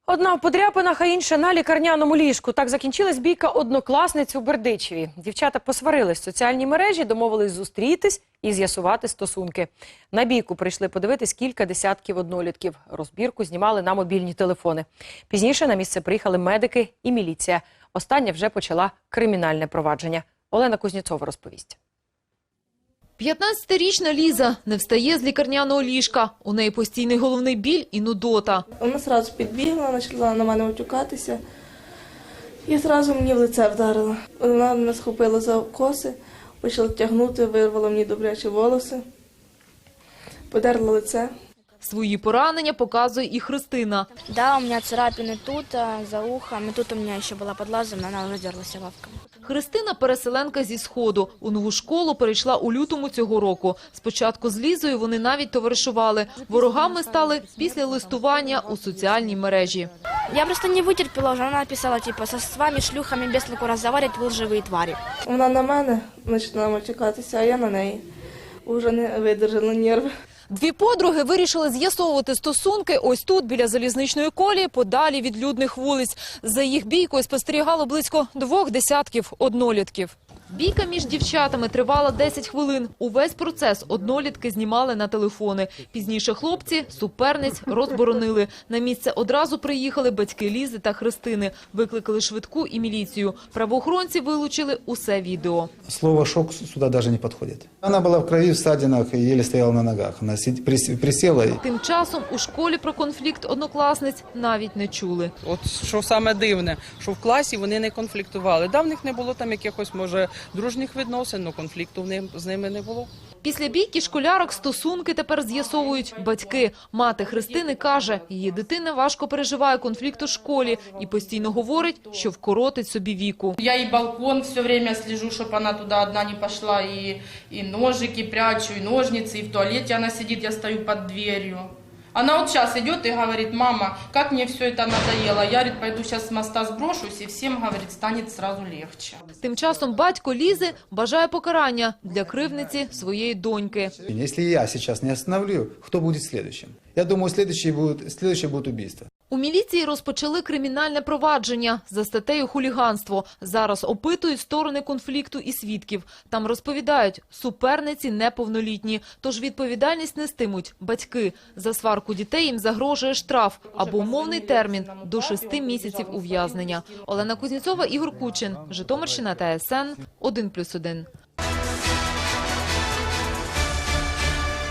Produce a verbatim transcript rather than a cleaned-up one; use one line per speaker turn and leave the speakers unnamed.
Одна в подряпинах, а інша на лікарняному ліжку. Так закінчилась бійка однокласниць у Бердичеві. Дівчата посварились в соціальній мережі, домовились зустрітись і з'ясувати стосунки. На бійку прийшли подивитись кілька десятків однолітків. Розбірку знімали на мобільні телефони. Пізніше на місце приїхали медики і міліція. Остання вже почала кримінальне провадження. Олена Кузнєцова розповість.
п'ятнадцятирічна Ліза не встає з лікарняного ліжка. У неї постійний головний біль і нудота.
Вона одразу підбігла, почала на мене утюкатися і одразу мені в лице вдарила. Вона мене схопила за коси, почала тягнути, вирвала мені добрячі волоси, подерла лице.
Свої поранення показує і Христина.
Да, у меня царапины тут, за ухом, и тут у меня еще была под глазом, но она уже дерлась лавками.
Христина – переселенка зі Сходу. У нову школу перейшла у лютому цього року. Спочатку з Лізою вони навіть товаришували. Ворогами стали після листування у соціальній мережі.
Я просто не вытерпела уже, она написала, типа, со с вами, шлюхами, без толку разговаривать, вы лживые твари.
Вона на мене почала матюкатися, а я на неї. Уже не видержала нерви.
Дві подруги вирішили з'ясовувати стосунки ось тут, біля залізничної колії, подалі від людних вулиць. За їх бійкою спостерігало близько двох десятків однолітків. Бійка між дівчатами тривала десять хвилин. Увесь процес однолітки знімали на телефони. Пізніше хлопці суперниць розборонили. На місце одразу приїхали батьки Лізи та Христини. Викликали швидку і міліцію. Правоохоронці вилучили усе відео.
Слово «шок» сюда даже не подходит. Она была в крови, в ссадинах и еле стояла на ногах. Она сид- прис- присела. и-
Тим часом у школі про конфлікт однокласниць навіть не чули.
От що саме дивне, що в класі вони не конфліктували. Да, в них не було там якихось, може, дружніх відносин, але конфлікту в ним- з ними не було.
Після бійки школярок стосунки тепер з'ясовують батьки. Мати Христини каже, її дитина важко переживає конфлікт у школі і постійно говорить, що вкоротить собі віку.
Я и балкон все время слежу, чтобы она туда одна не пошла, и, и ножики прячу, и ножницы, и в туалете она сидит, я стою под дверью. Она вот сейчас идет и говорит: мама, как мне все это надоело. Я, говорит, пойду сейчас с моста сброшусь, и всем, говорит, станет сразу легче.
Тим часом батько Лізи бажає покарання для кривдниці своєї доньки.
Если я сейчас не остановлю, кто будет следующим? Я думаю, следующее будет, следующее будет убийство.
У міліції розпочали кримінальне провадження за статтею «Хуліганство». Зараз опитують сторони конфлікту і свідків. Там розповідають, суперниці неповнолітні, тож відповідальність нестимуть батьки. За сварку дітей їм загрожує штраф або умовний термін до шести місяців ув'язнення. Олена Кузнєцова, Ігор Кучин, Житомирщина, Т С Н, один плюс один.